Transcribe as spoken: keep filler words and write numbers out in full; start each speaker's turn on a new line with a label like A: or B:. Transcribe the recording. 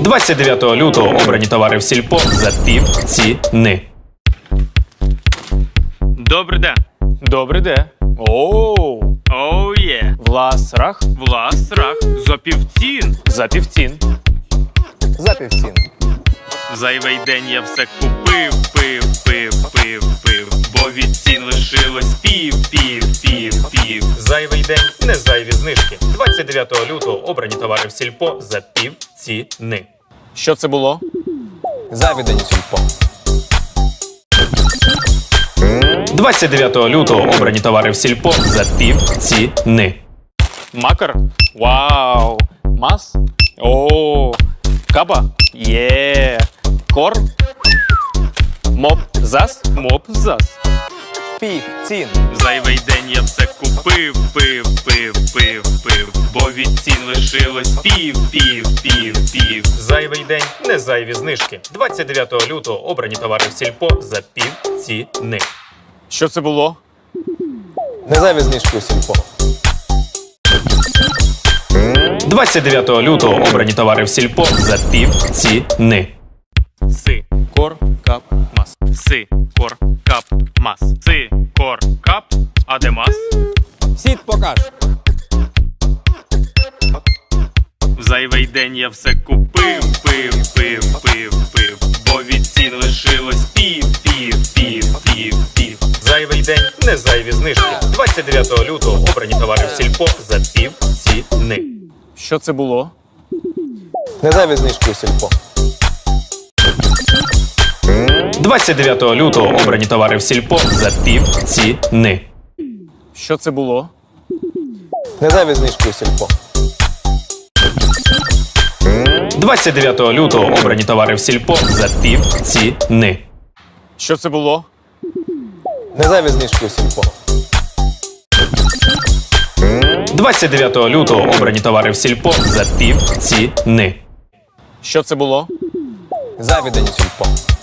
A: двадцять дев'ятого лютого обрані товари в сільпо за пів ціни.
B: Добрий день.
A: Добрий день. Оу.
B: Оу є.
A: Власрах
B: Влас рах. За півцін.
A: за півцін.
C: За півцін.
B: Зайвий день я все купив, пив, пив, пив, пив. Бо від цін лишилось пів, пів, пів, пів.
A: Зайвий день, не зайві знижки. двадцять дев'ятого лютого обрані товари в сільпо за пів ціни. Що це було?
C: Завідені сільпо.
A: двадцять дев'ятого лютого обрані товари в сільпо за пів ціни. Макар? Вау! Мас? О! Каба? Є! Кор? Моп зас? Моп зас.
C: Півцін.
B: Зайвий день я все купив, пив, пив, пив, пив. Бо від цін лишилось пів, пів, пів, пів.
A: Зайвий день, не зайві знижки. двадцять дев'ятого лютого обрані товари в сільпо за пів ціни. Що це було?
C: Не зайві знижки у сільпо.
A: двадцять дев'ятого лютого обрані товари в сільпо за пів ціни.
B: Си, кор, кап, мас. Си, кор, кап, мас. Си, кор, кап. А де мас?
C: Сіт покаж.
B: В зайвий день я все купив, пив, пив, пив, пив. Бо від цін лишилось пів, пів, пів, пів, пів.
A: Зайвий день, не зайві знижки. двадцять дев'ятого лютого обрані товари в сільпо за пів ціни. Що це було?
C: Не зайві знижки у сільпо.
A: двадцять дев'ятого лютого обрані товари в сільпо за пів ціни. Що це було?
C: Не зайві знижки у сільпо.
A: двадцять дев'ятого лютого обрані товари в сільпо за пів ціни. Що це було?
C: Не зайві знижки у сільпо.
A: двадцять дев'ятого лютого обрані товари в сільпо за пів ціни. Що це було?
C: Завідені сільпо.